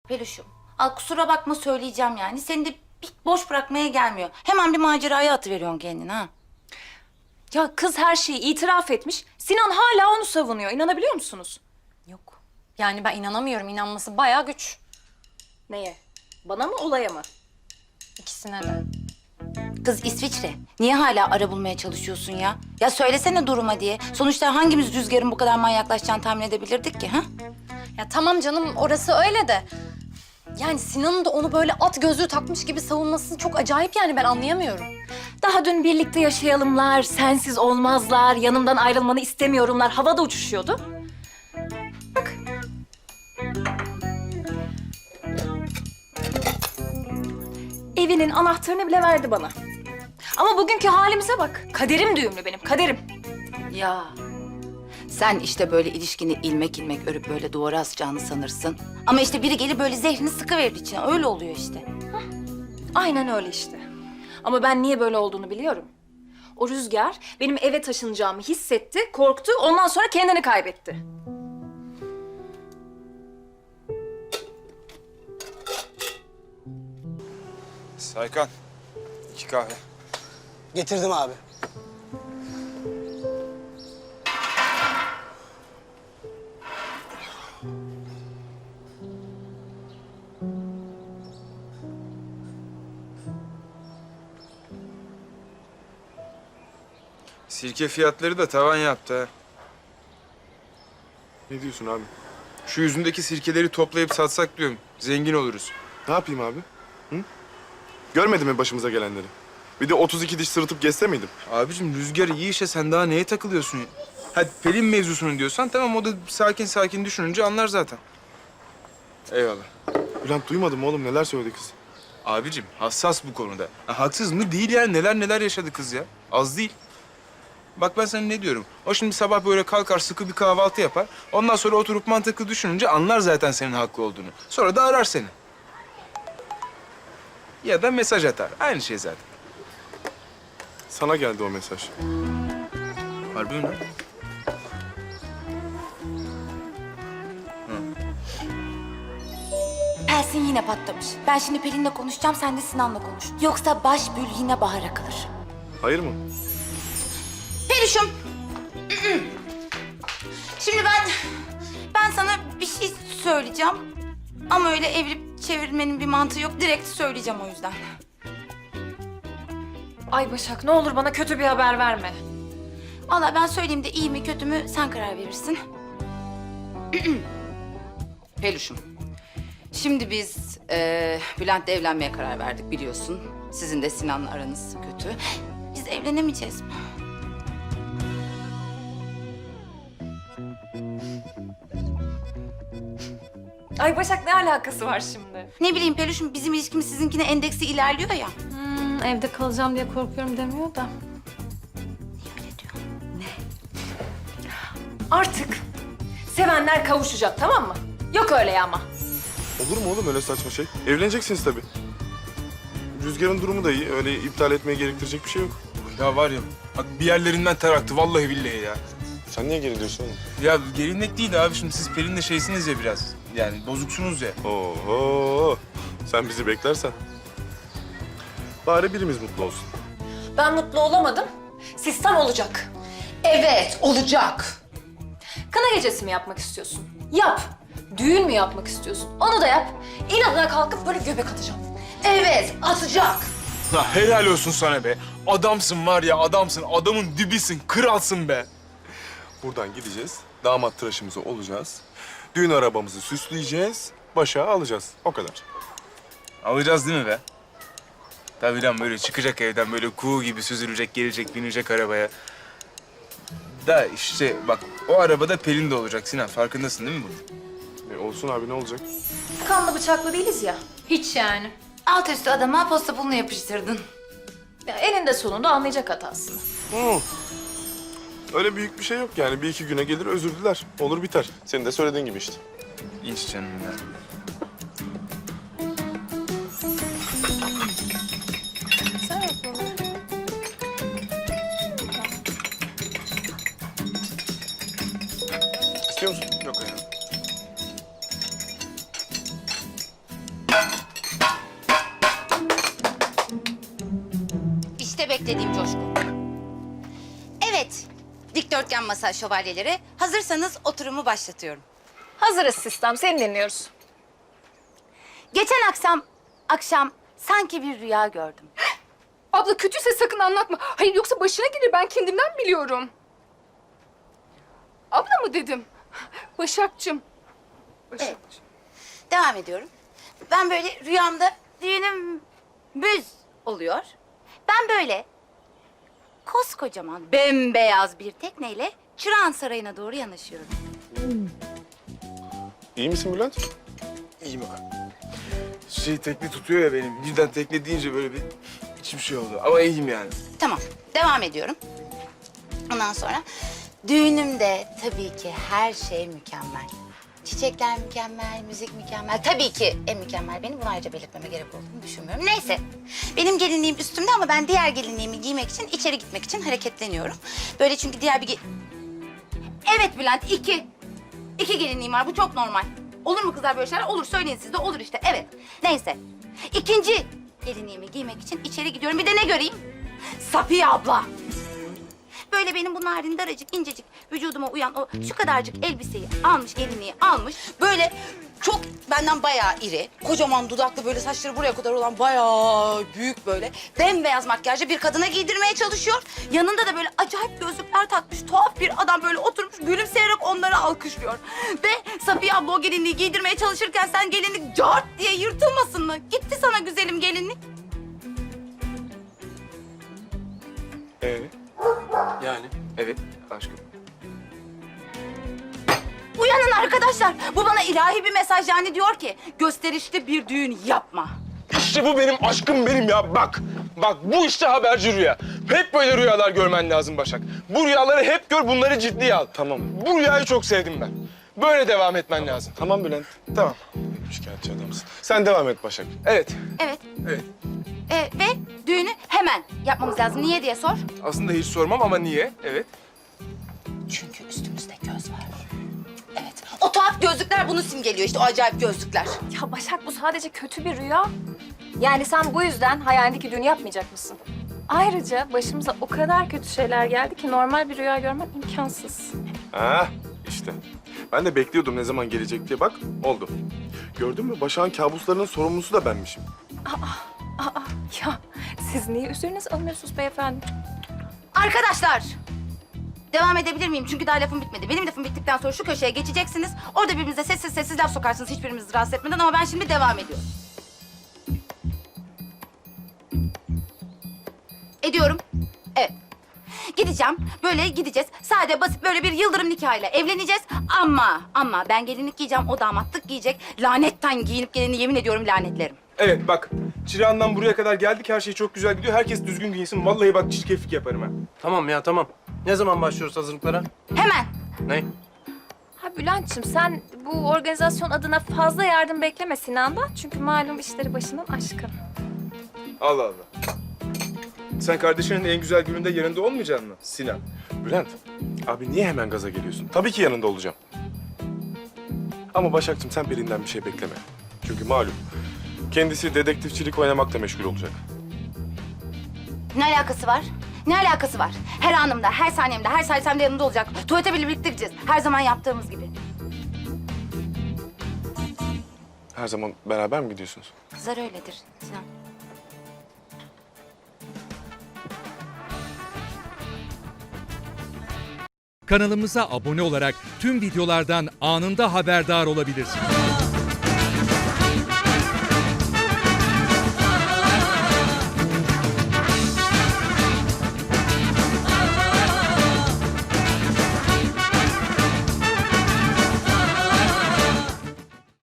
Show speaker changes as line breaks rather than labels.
Peluşum, al kusura bakma söyleyeceğim yani. Seni de bir boş bırakmaya gelmiyor. Hemen bir maceraya atıveriyorsun kendini ha.
Ya kız her şeyi itiraf etmiş. Sinan hala onu savunuyor. İnanabiliyor musunuz?
Yok. Yani ben inanamıyorum. İnanması bayağı güç.
Neye? Bana mı, olaya mı?
İkisine de.
Kız İsviçre, niye hala ara bulmaya çalışıyorsun ya? Ya söylesene duruma diye. Sonuçta hangimiz Rüzgar'ın bu kadar manyaklaşacağını tahmin edebilirdik ki ha?
Ya tamam canım, orası öyle de. Yani Sinan'ın da onu böyle at gözlüğü takmış gibi savunması çok acayip, yani ben anlayamıyorum.
Daha dün birlikte yaşayalımlar, sensiz olmazlar, yanımdan ayrılmanı istemiyorumlar havada uçuşuyordu. Bak. Evinin anahtarını bile verdi bana. Ama bugünkü halimize bak. Kaderim düğümlü benim, kaderim.
Ya sen işte böyle ilişkini ilmek ilmek örüp böyle duvara asacağını sanırsın. Ama işte biri gelip böyle zehrini sıkıverir içine. Öyle oluyor işte.
Aynen öyle işte. Ama ben niye böyle olduğunu biliyorum. O Rüzgar benim eve taşınacağımı hissetti, korktu, ondan sonra kendini kaybetti.
Saykan, 2 kahve.
Getirdim abi.
Sirke fiyatları da tavan yaptı ha.
Ne diyorsun abi?
Şu yüzündeki sirkeleri toplayıp satsak diyorum. Zengin oluruz.
Ne yapayım abi? Hı? Görmedin mi başımıza gelenleri? Bir de 32 diş sırıtıp gezse miydim?
Abicim Rüzgar iyi işe sen daha neye takılıyorsun? Hadi Pelin mevzusunu diyorsan tamam o da sakin sakin düşününce anlar zaten. Eyvallah.
Bülent duymadın mı oğlum neler söyledi kız?
Abicim hassas bu konuda. Ha, haksız mı? Değil yani neler neler yaşadı kız ya. Az değil. Bak ben sana ne diyorum. O şimdi sabah böyle kalkar sıkı bir kahvaltı yapar. Ondan sonra oturup mantıklı düşününce anlar zaten senin haklı olduğunu. Sonra da arar seni. Ya da mesaj atar. Aynı şey zaten.
Sana geldi o mesaj.
Harbi mi lan?
Pelsin yine patlamış. Ben şimdi Pelin'le konuşacağım, sen de Sinan'la konuş. Yoksa baş bül yine bahara kalır.
Hayır mı?
Peluşum. Şimdi ben sana bir şey söyleyeceğim. Ama öyle evirip çevirmenin bir mantığı yok. Direkt söyleyeceğim o yüzden.
Ay Başak, ne olur bana kötü bir haber verme.
Vallahi ben söyleyeyim de iyi mi kötü mü sen karar verirsin. Peluşum. Şimdi biz Bülent'le evlenmeye karar verdik biliyorsun. Sizin de Sinan'la aranız kötü. Biz evlenemeyeceğiz mi?
Ay Başak, ne alakası var şimdi?
Ne bileyim Peluşum, bizim ilişkimiz sizinkine endeksi ilerliyor ya.
Evde kalacağım diye korkuyorum demiyor da.
Öyle diyor.
Artık sevenler kavuşacak, tamam mı? Yok öyle ya ama.
Olur mu oğlum öyle saçma şey? Evleneceksiniz tabii. Rüzgar'ın durumu da iyi. Öyle iptal etmeye gerektirecek bir şey yok.
Ya var ya bak bir yerlerinden ter aktı vallahi billahi ya.
Sen niye geriliyorsun oğlum?
Ya gelinlik değil abi şimdi siz Pelin'le şeysiniz ya biraz. Yani bozuksunuz ya.
Oho! Sen bizi beklersen. Bari birimiz mutlu olsun.
Ben mutlu olamadım. Sistem olacak.
Evet, olacak.
Kına gecesi mi yapmak istiyorsun? Yap. Düğün mü yapmak istiyorsun? Onu da yap. İnadına kalkıp böyle göbek atacağım.
Evet, atacak.
Ha, helal olsun sana be. Adamsın var ya adamsın. Adamın dibisin. Kralsın be.
Buradan gideceğiz. Damat tıraşımızı olacağız. Düğün arabamızı süsleyeceğiz. Başa alacağız. O kadar.
Alacağız değil mi be? Tabii lan böyle çıkacak evden böyle kuğu gibi süzülecek, gelecek, binecek arabaya. Da işte bak o arabada Pelin de olacak Sinan. Farkındasın değil mi bunun?
Olsun abi ne olacak?
Kanlı bıçaklı değiliz ya.
Hiç yani.
Alt üstü adama posta pulunu yapıştırdın.
Ya eninde sonunda anlayacak hatasını.
Hı. Öyle büyük bir şey yok yani. Bir iki güne gelir özür diler. Olur biter. Senin de söylediğin gibi işte.
İnç canım ya.
İstiyor musun?
Yok ya.
istediğim coşku. Evet, dikdörtgen masa şövalyeleri. Hazırsanız oturumu başlatıyorum.
Hazırız sistem, seni dinliyoruz.
Geçen akşam sanki bir rüya gördüm.
Abla kötüyse sakın anlatma. Hayır yoksa başına gelir, ben kendimden biliyorum. Abla mı dedim? Başakçım.
Evet. Devam ediyorum. Ben böyle rüyamda düğünüm müz oluyor. Ben böyle koskocaman bembeyaz bir tekneyle Çırağan Sarayı'na doğru yanaşıyorum.
İyi misin Bülent?
İyiyim abi. Tekne tutuyor ya benim. Birden tekne deyince böyle bir içim şey oldu. Ama iyiyim yani.
Tamam, devam ediyorum. Ondan sonra düğünümde tabii ki her şey mükemmel. Çiçekler mükemmel, müzik mükemmel. Tabii ki en mükemmel benim. Bunu ayrıca belirtmeme gerek olduğunu düşünmüyorum. Neyse, benim gelinliğim üstümde ama ben diğer gelinliğimi giymek için, içeri gitmek için hareketleniyorum. Böyle çünkü diğer bir... Evet Bülent, İki gelinliğim var. Bu çok normal. Olur mu kızlar böyle şeyler? Olur, söyleyin siz de. Olur işte, evet. Neyse. İkinci gelinliğimi giymek için içeri gidiyorum. Bir de ne göreyim? Safiye abla. Böyle benim bu narin daracık, incecik vücuduma uyan o şu kadarcık elbiseyi almış, gelinliği almış. Böyle çok benden bayağı iri, kocaman dudaklı, böyle saçları buraya kadar olan bayağı büyük böyle bembeyaz makyajlı bir kadına giydirmeye çalışıyor. Yanında da böyle acayip gözlükler takmış tuhaf bir adam böyle oturmuş gülümseyerek onları alkışlıyor. Ve Safiye abla o gelinliği giydirmeye çalışırken sen gelinlik cart diye yırtılmasın mı? Gitti sana güzelim gelinlik.
Yani? Evet aşkım.
Uyanın arkadaşlar. Bu bana ilahi bir mesaj yani diyor ki gösterişli bir düğün yapma.
İşte bu benim aşkım benim ya. Bak bu işte haberci rüya. Hep böyle rüyalar görmen lazım Başak. Bu rüyaları hep gör, bunları ciddiye al.
Tamam.
Bu rüyayı çok sevdim ben. Böyle devam etmen lazım.
Tamam Bülent.
Tamam.
Şikayetçi adamsın. Sen devam et Başak.
Evet.
Evet.
Evet.
Ve düğünü hemen yapmamız lazım. Niye diye sor.
Aslında hiç sormam ama niye? Evet.
Çünkü üstümüzde göz var. Evet. O tuhaf gözlükler bunu simgeliyor işte, o acayip gözlükler.
Ya Başak, bu sadece kötü bir rüya. Yani sen bu yüzden hayalindeki düğünü yapmayacak mısın? Ayrıca başımıza o kadar kötü şeyler geldi ki normal bir rüya görmen imkansız.
Ha işte. Ben de bekliyordum ne zaman gelecek diye. Bak oldu. Gördün mü? Başak'ın kabuslarının sorumlusu da benmişim.
Ya siz niye üzerinize alınıyorsunuz beyefendi?
Arkadaşlar. Devam edebilir miyim? Çünkü daha lafım bitmedi. Benim lafım bittikten sonra şu köşeye geçeceksiniz. Orada birbirinize sessiz sessiz laf sokarsınız hiçbirimizi rahatsız etmeden ama ben şimdi devam ediyorum. Ediyorum. Evet. Gideceğim. Böyle gideceğiz. Sade basit böyle bir yıldırım nikahıyla evleneceğiz. Ama ben gelinlik giyeceğim. O damatlık giyecek. Lanetten giyinip geleni yemin ediyorum lanetlerim.
Evet bak. Çırağan'dan buraya kadar geldik. Her şey çok güzel gidiyor. Herkes düzgün giyinsin. Vallahi bak çirkeflik yaparım ha.
Tamam ya tamam. Ne zaman başlıyoruz hazırlıklara?
Hemen.
Ne?
Ha Bülent'ciğim, sen bu organizasyon adına fazla yardım bekleme Sinan'dan. Çünkü malum işleri başından aşkın.
Allah Allah. Sen kardeşinin en güzel gününde yanında olmayacaksın mı Sinan?
Bülent, abi niye hemen gaza geliyorsun? Tabii ki yanında olacağım. Ama Başak'cığım sen birinden bir şey bekleme. Çünkü malum kendisi dedektifçilik oynamakla meşgul olacak.
Ne alakası var? Ne alakası var? Her anımda, her saniyemde, her salisemde yanımda olacak. Tuvalete bile birlikte gideceğiz. Her zaman yaptığımız gibi.
Her zaman beraber mi gidiyorsunuz?
Kızlar öyledir Sinan.
Kanalımıza abone olarak tüm videolardan anında haberdar olabilirsiniz.